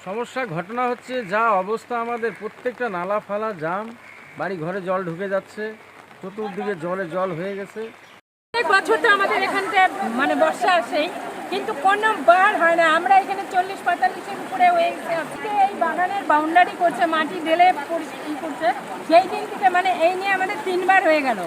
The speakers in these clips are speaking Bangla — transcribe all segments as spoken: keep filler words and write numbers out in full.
সমস্যা ঘটনা হচ্ছে যা অবস্থা আমাদের প্রত্যেকটা নালা ফালা জাম, বাড়ি ঘরে জল ঢুকে যাচ্ছে, চতুর্দিকে জলে জল হয়ে গেছে। এক বছর তো আমাদের এখানটা মানে বর্ষা আসেই, কিন্তু কোনো বার হয় না। আমরা এখানে চল্লিশ পঁয়তাল্লিশের উপরে হয়ে গেছে। আজকে এই বাগানের বাউন্ডারি করছে, মাটি ঢেলে পরিষ্কার করছে, সেই দিন থেকে মানে এই নিয়ে আমাদের তিনবার হয়ে গেল।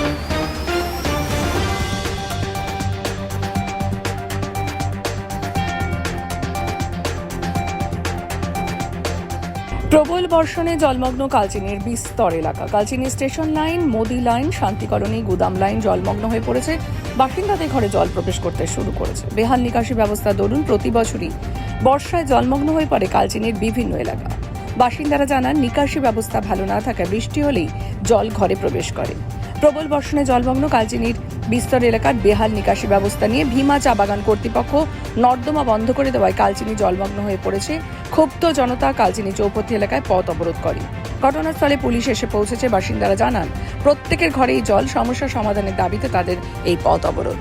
প্রবল বর্ষণে জলমগ্ন কালচিনির বিস্তর এলাকা। Kalchini station line, Modi line, শান্তিকলোনি, গুদাম লাইন জলমগ্ন হয়ে পড়েছে। বাসিন্দাদের ঘরে জল প্রবেশ করতে শুরু করেছে। বেহাল নিকাশি ব্যবস্থা দরুন প্রতি বছরই বর্ষায় জলমগ্ন হয়ে পড়ে কালচিনির বিভিন্ন এলাকা। বাসিন্দারা জানান, নিকাশি ব্যবস্থা ভালো না থাকায় বৃষ্টি হলেই জল ঘরে প্রবেশ করে। প্রবল বর্ষণে জলমগ্ন কালচিনির বিস্তর এলাকার বেহাল নিকাশি ব্যবস্থা নিয়ে ভীমা চা বাগান কর্তৃপক্ষ নর্দমা বন্ধ করে দেওয়ায় কালচিনি জলমগ্ন হয়ে পড়েছে। ক্ষুব্ধ জনতা কালচিনি চৌপথি এলাকায় পথ অবরোধ করে। ঘটনাস্থলে পুলিশ এসে পৌঁছেছে। বাসিন্দারা জানান, প্রত্যেকের ঘরেই জল, সমস্যা সমাধানের দাবিতে তাদের এই পথ অবরোধ।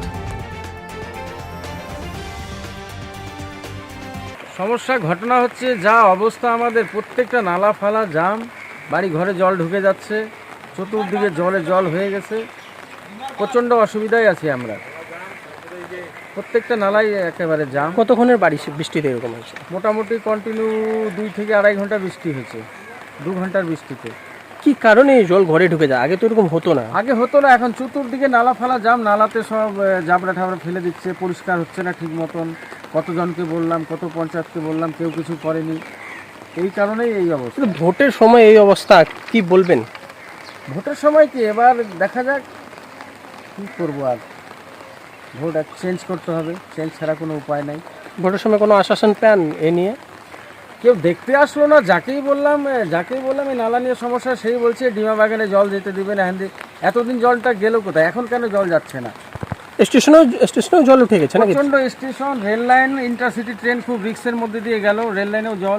সমস্যা ঘটনা হচ্ছে যা অবস্থা আমাদের প্রত্যেকটা নালা ফালা জাম, বাড়ি ঘরে জল ঢুকে যাচ্ছে, চতুর্দিকে জলে জল হয়ে গেছে। প্রচণ্ড অসুবিধায় আছি আমরা। প্রত্যেকটা নালাই একেবারে জাম। কতক্ষণের বাড়ি বৃষ্টিতে এরকম হয়েছে? মোটামুটি কন্টিনিউ দুই থেকে আড়াই ঘন্টা বৃষ্টি হয়েছে, দু ঘন্টার বৃষ্টিতে। কি কারণে এই জল ঘরে ঢুকে যায়? আগে তো এরকম হতো না। আগে হতো না, এখন চতুর্দিকে নালা ফালা জাম, নালাতে সব জাবড়া ঠাবড়া ফেলে দিচ্ছে, পরিষ্কার হচ্ছে না ঠিক মতন। কতজনকে বললাম, কত পঞ্চায়েতকে বললাম, কেউ কিছু করেনি। এই কারণেই এই অবস্থা। কিন্তু ভোটের সময় এই অবস্থা, কি বলবেন? ভোটের সময় কি এবার দেখা যাক কী করবো। আর ভোট চেঞ্জ করতে হবে, চেঞ্জ ছাড়া কোনো উপায় নাই। ভোটের সময় কোনো আশ্বাসন পান এ নিয়ে? কেউ দেখতে আসলো না। যাকেই বললাম যাকেই বললাম এই নালা নিয়ে সমস্যা, সেই বলছে ডিমা বাগানে জল যেতে দিবে না। হ্যাঁ, এতদিন জলটা গেল কোথায়? এখন কেন জল যাচ্ছে না? স্টেশনেও স্টেশনেও জল উঠে গেছে নাকি? প্রচণ্ড station, rail line, intercity train খুব রিক্সের মধ্যে দিয়ে গেল, রেল লাইনেও জল।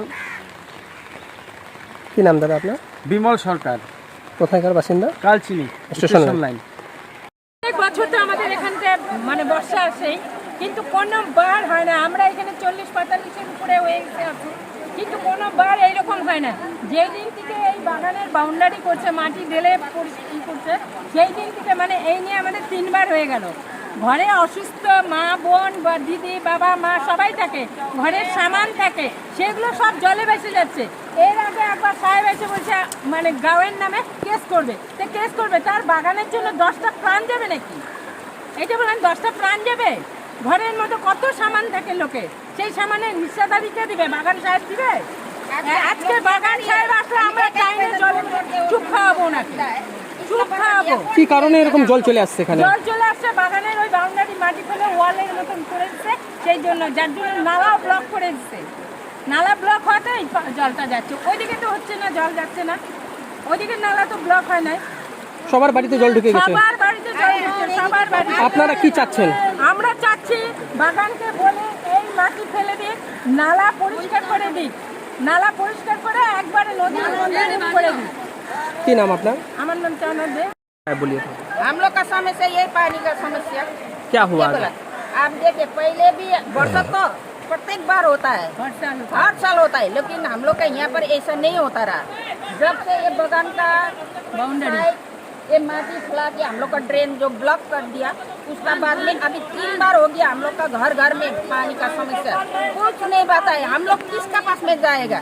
কি নাম দাদা আপনার? বিমল সরকার। কোথায়কার বাসিন্দা? Kalchini station line. এক বছর তো আমাদের এখানটা মানে বর্ষা আসেই, কিন্তু কোনো বার হয় না। আমরা এখানে চল্লিশ পঁয়তাল্লিশের উপরে হয়ে গেছে আছি, কিন্তু কোনো বার এইরকম হয় না। যেই দিন থেকে এই বাগানের বাউন্ডারি করছে, মাটি ঢেলে পরিষ্কার করছে, সেই দিন থেকে মানে এই নিয়ে আমাদের তিনবার হয়ে গেল। ঘরে অসুস্থ মা বোন বা দিদি বাবা মা সবাই থাকে, ঘরের সামান থাকে, সেগুলো সব জলে ভেসে যাচ্ছে। এর আগে একবার সাহেব এসে বলছে মানে গাঁয়ের নামে কেস করবে। তো কেস করবে, তার বাগানের জন্য দশটা প্রাণ যাবে নাকি? এটা বলেন, দশটা প্রাণ যাবে? ঘরের মতো কত সামান থাকে লোকে, সেই সামানের নিষেধাজ্ঞা দিবে বাগান সাহেব দিবে? আজকে বাগান সাহেব আসলে আমরা টাইমে জল চুপ খাওয়াবো নাকি? চুপ খাওয়াবো। কি কারণে এরকম জল চলে আসছে এখানে? জল চলে আসছে বাগানের ওই বাউন্ডারি মাটি ফেলে ওয়ালের মতন করে দিচ্ছে, সেই জন্য, যার জন্য নালাও ব্লক করে দিচ্ছে। নালা ব্লক হওয়াতেই জলটা যাচ্ছে, ওইদিকে তো হচ্ছে না, জল যাচ্ছে না। ওইদিকে নালা তো ব্লক হয় নাই। সবার বাড়িতে জল ঢুকে গেছে। সবার বাড়িতে জল ঢুকছে, সবার বাড়িতে। আপনারা কি চাচ্ছেন? আমরা চাচ্ছি বাগানকে বলে এই মাটি ফেলে দিক, নালা পরিষ্কার করে দিক, নালা পরিষ্কার করে একবারে নদীর মধ্যে করে দিক। কি নাম আপনার? আমার नाम चानद है। बोलिए। हम लोग का समस्या यही पानी का समस्या। क्या हुआ? बोला? आप देखिए, पहले भी बरसात तो प्रत्येक बार होता है, हर साल होता हर साल होता है, लेकिन हम लोग का यहाँ पर ऐसा नहीं होता रहा। जब से ये बगान का बाउंड्री साइड ये माटी फैला के हम लोग का ड्रेन जो ब्लॉक कर दिया, उसका बाद में अभी तीन बार हो गया हम लोग का घर घर में पानी का समस्या। कुछ नहीं बताए, हम लोग किसका पास में जाएगा?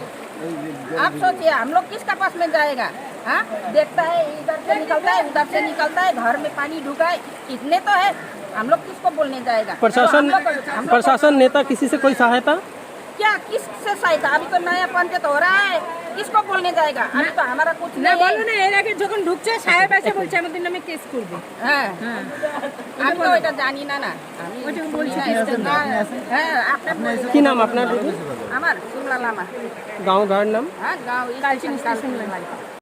आप सोचिए, हम लोग किसका पास में जाएगा? हाँ, देखता है इधर से निकलता है, उधर से निकलता है, घर में पानी ढुका है, इतने तो है, हम लोग किसको बोलने जाएगा? प्रशासन तो हम लोग- हम लोग प्रशासन नेता किसी से कोई सहायता? क्या किससे सहायता? अभी तो नया पंचायत हो रहा है, किसको बोलने जाएगा? अभी तो हमारा कुछ না नहीं বলো है। না, এর আগে যখন ঢুকছে সাহেব এসে বলছে আমাদের নামে কেস করবে। হ্যাঁ, হ্যাঁ, আমি তো এটা জানি না না আমি ওইটা বলছি। হ্যাঁ, আপনার কি নাম আপনার? আমার সুমলা লামা। গাঁও গাঁয়ের নাম? হ্যাঁ, গাঁও কালচিনি স্টেশন লাইন।